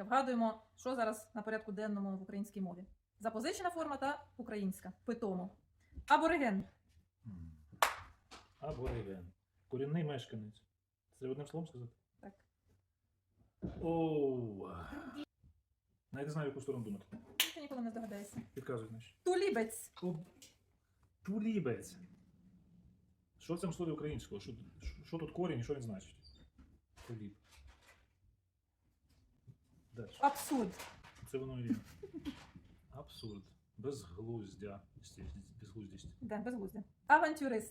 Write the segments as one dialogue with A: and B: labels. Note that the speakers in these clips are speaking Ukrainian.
A: Вгадуємо, що зараз на порядку денному в українській мові. Запозичена форма та українська. Питомо. Абориген.
B: Абориген. Корінний мешканець. Це одним словом сказати?
A: Так.
B: Оу. Навіть не знаю, в яку сторону думати.
A: Ти ніколи не здогадаєшся.
B: Підказуй, значить.
A: Тулібець.
B: Тулібець. Що в цьому слові українського? Що тут корінь і що він значить? Туліб. Дальше.
A: Абсурд.
B: Це воно і є. Абсурд. Безглуздя. Безглуздість.
A: Да, безглуздя. Авантюрист.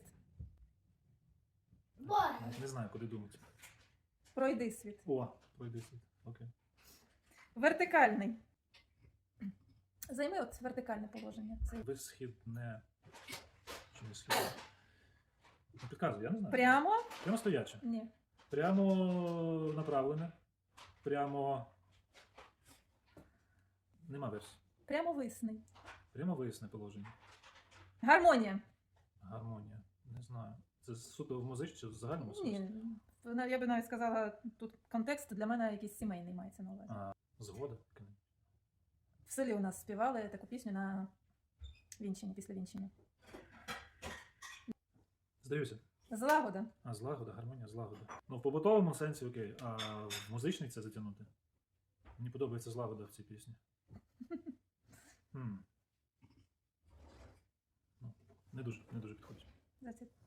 B: Не знаю, куди думати.
A: Пройди світ.
B: О, пройди світ. Окей.
A: Вертикальний. Займи от вертикальне положення. Це
B: Висхідне. Чи не східне? Ну, підказуй, я не знаю.
A: прямо?
B: Прямо стояче.
A: Ні.
B: Прямо направлене. Прямо. Нема версії.
A: Прямовисний.
B: Прямо виясне положення.
A: Гармонія.
B: Гармонія. Не знаю. Це суто в музичці чи в загальному сенсі?
A: Ні. Я би навіть сказала, тут контекст для мене якийсь сімейний мається на увазі.
B: Згода.
A: В селі у нас співали таку пісню на вінчині, після вінчення.
B: Здаюся.
A: Злагода.
B: Злагода, гармонія, злагода. Ну, в побутовому сенсі окей, а в музичний це затягнути. Мені подобається злагода в цій пісні. Ну, не дуже підходить.
A: That's it.